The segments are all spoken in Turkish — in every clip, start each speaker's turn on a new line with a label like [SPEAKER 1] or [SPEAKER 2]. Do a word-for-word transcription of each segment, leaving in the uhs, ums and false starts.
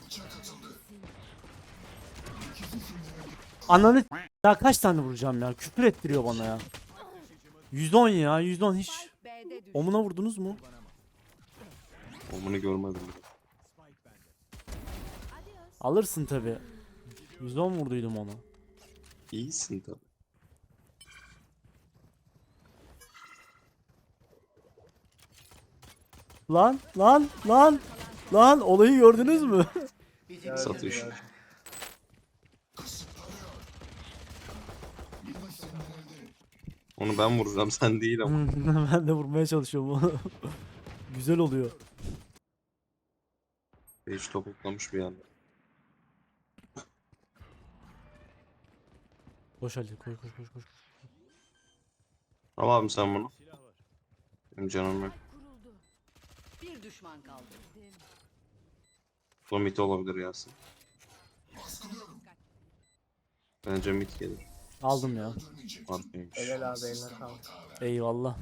[SPEAKER 1] Ananı ya kaç tane vuracağım ya? Küfür ettiriyor bana ya. yüz on ya, yüz on hiç. Omuna vurdunuz mu?
[SPEAKER 2] Omunu görmedim.
[SPEAKER 1] Alırsın tabi. yüz on vurduydum ona.
[SPEAKER 2] İyisin tabi.
[SPEAKER 1] Lan lan lan lan olayı gördünüz mü?
[SPEAKER 2] Satış. Onu ben vuracağım, sen değil ama.
[SPEAKER 1] Ben de vurmaya çalışıyorum onu. Güzel oluyor.
[SPEAKER 2] Hiç topuklamış bir anda.
[SPEAKER 1] Koş Ali koş koş koş koş.
[SPEAKER 2] Al abi sen bunu. Benim canım yok.
[SPEAKER 3] Bir düşman kaldı.
[SPEAKER 2] Bu mit olabilir Yasin. Bence mit gelir.
[SPEAKER 1] Aldım ya.
[SPEAKER 2] Arkaymış.
[SPEAKER 4] Helal abi, eline sağlık.
[SPEAKER 1] Eyvallah.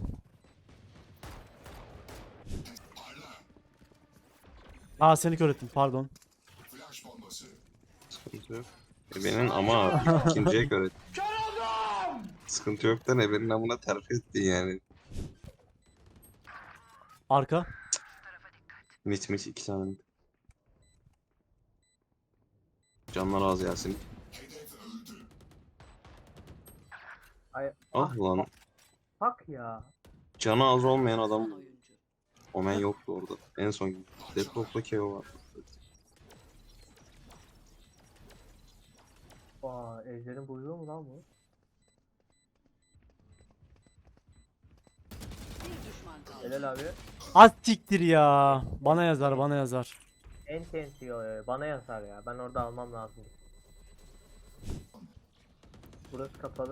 [SPEAKER 1] Aa seni kör ettim pardon.
[SPEAKER 2] Sıkıntı yok. Ebenin ama ikinciye göre. Sıkıntı yok da Ebenin amına terfi ettin yani.
[SPEAKER 1] Arka.
[SPEAKER 2] Mit mit iki tane mit. Canlar az Yasin.
[SPEAKER 4] Ay,
[SPEAKER 2] Ah lan.
[SPEAKER 4] bak ya.
[SPEAKER 2] Canı az olmayan adam.
[SPEAKER 3] Oyuncu.
[SPEAKER 2] Omen yoktu orada. En son Deadlock'ta K O var.
[SPEAKER 4] Aa, Ejder'in buyruğu mu lan bu?
[SPEAKER 3] Bir düşman kaldı.
[SPEAKER 4] Helal abi.
[SPEAKER 1] Az siktir ya. Bana yazar bana yazar.
[SPEAKER 4] En tensiyo bana yazar ya. Ben orada almam lazım. Burası kapalı.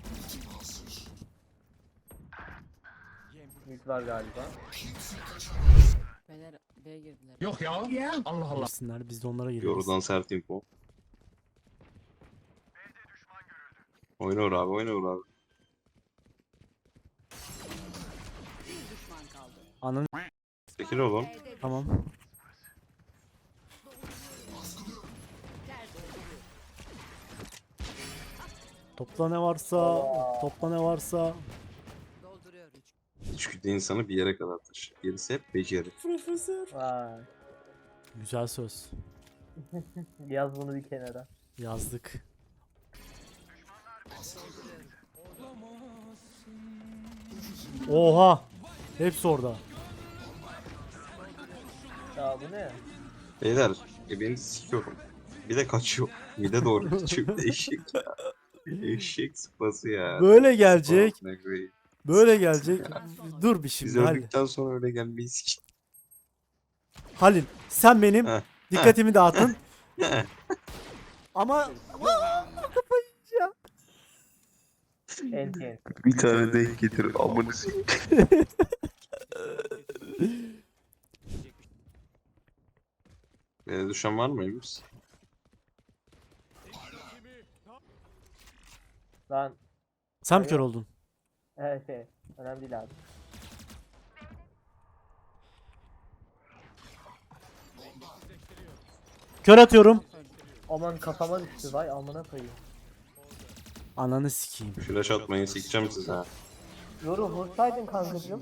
[SPEAKER 4] Mid var galiba.
[SPEAKER 3] Beyler B'ye girdiler.
[SPEAKER 5] Yok ya. Allah Allah.
[SPEAKER 1] Girsinler biz de onlara gireriz.
[SPEAKER 2] Yorudan sert info. Oyna vur abi, oyna vur abi.
[SPEAKER 3] Bir düşman kaldı.
[SPEAKER 1] Ananı
[SPEAKER 2] Çekil oğlum.
[SPEAKER 1] tamam. Topla ne varsa, topla ne varsa.
[SPEAKER 3] Dolduruyorum.
[SPEAKER 2] İçgüdü insanı bir yere kadar taşır. Gerisi hep beceri.
[SPEAKER 1] Profesör.
[SPEAKER 4] Vay.
[SPEAKER 1] Güzel söz.
[SPEAKER 4] Yaz bunu bir kenara.
[SPEAKER 1] Yazdık. Oha. Hepsi orada.
[SPEAKER 4] Ya bu ne?
[SPEAKER 2] Beyler, e beni sikiyorum. Bir de kaçıyor. Bir de doğru kaçıyor. Bir de eşek ya. Eşek sıpası ya.
[SPEAKER 1] Böyle gelecek.
[SPEAKER 2] Oh, ne great.
[SPEAKER 1] Böyle gelecek. Dur bir
[SPEAKER 2] Biz
[SPEAKER 1] şimdi Halil.
[SPEAKER 2] öldükten sonra öyle gelmeyi sik.
[SPEAKER 1] Halil sen benim
[SPEAKER 2] Heh.
[SPEAKER 1] dikkatimi dağıtın. Ama Aa, kafayı yiyeceğim.
[SPEAKER 4] En tensiyo.
[SPEAKER 2] Bir tane denk getir amını sik. Beni düşen var mı Emir?
[SPEAKER 4] Lan.
[SPEAKER 1] Sen mi kör oldun?
[SPEAKER 4] Evet şey. Önemli değil abi.
[SPEAKER 1] Kör atıyorum.
[SPEAKER 4] Aman kafama düştü, vay amına koyayım.
[SPEAKER 1] Ananı sikeyim.
[SPEAKER 2] Flash atmayın sikeceğim size ha.
[SPEAKER 4] Yoru vursaydın kankacığım.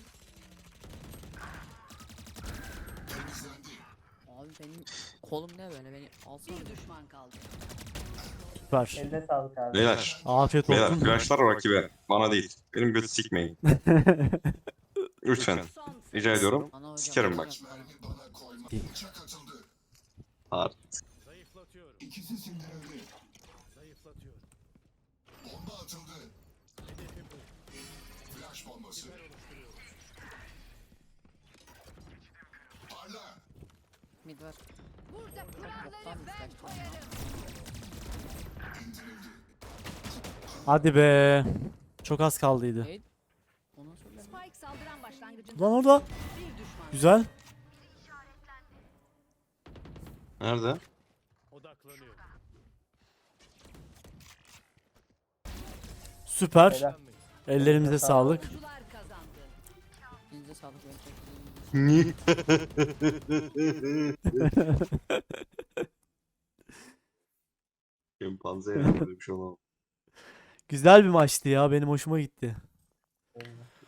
[SPEAKER 3] Abi benim kolum ne böyle beni alsana. Bir düşman kaldı.
[SPEAKER 1] Süper.
[SPEAKER 4] Eline sağlık abi.
[SPEAKER 2] Beyler.
[SPEAKER 1] Afiyet
[SPEAKER 2] Beyler
[SPEAKER 1] olsun.
[SPEAKER 2] flashlar rakibe. Bana değil. Benim götü sikmeyin. Lütfen.
[SPEAKER 3] Son
[SPEAKER 2] Rica ediyorum.
[SPEAKER 3] Ana hocam.
[SPEAKER 2] Sikerim bak. Hard.
[SPEAKER 3] Mid var. Burada kuralları ben koyarım.
[SPEAKER 1] Hadi be. Çok az kaldıydı.
[SPEAKER 3] Neydi? Ona söyle.
[SPEAKER 6] Spike saldıran başlangıcında
[SPEAKER 1] Lan orada.
[SPEAKER 3] Bir düşman.
[SPEAKER 1] Güzel.
[SPEAKER 2] Nerede?
[SPEAKER 1] Süper.
[SPEAKER 4] Helal.
[SPEAKER 1] Ellerimize sağlık.
[SPEAKER 3] Oyuncular kazandı. Elinize sağlık. Ben çok
[SPEAKER 2] Şempanze yani böyle bir şey olamaz.
[SPEAKER 1] Güzel bir maçtı ya. Benim hoşuma gitti.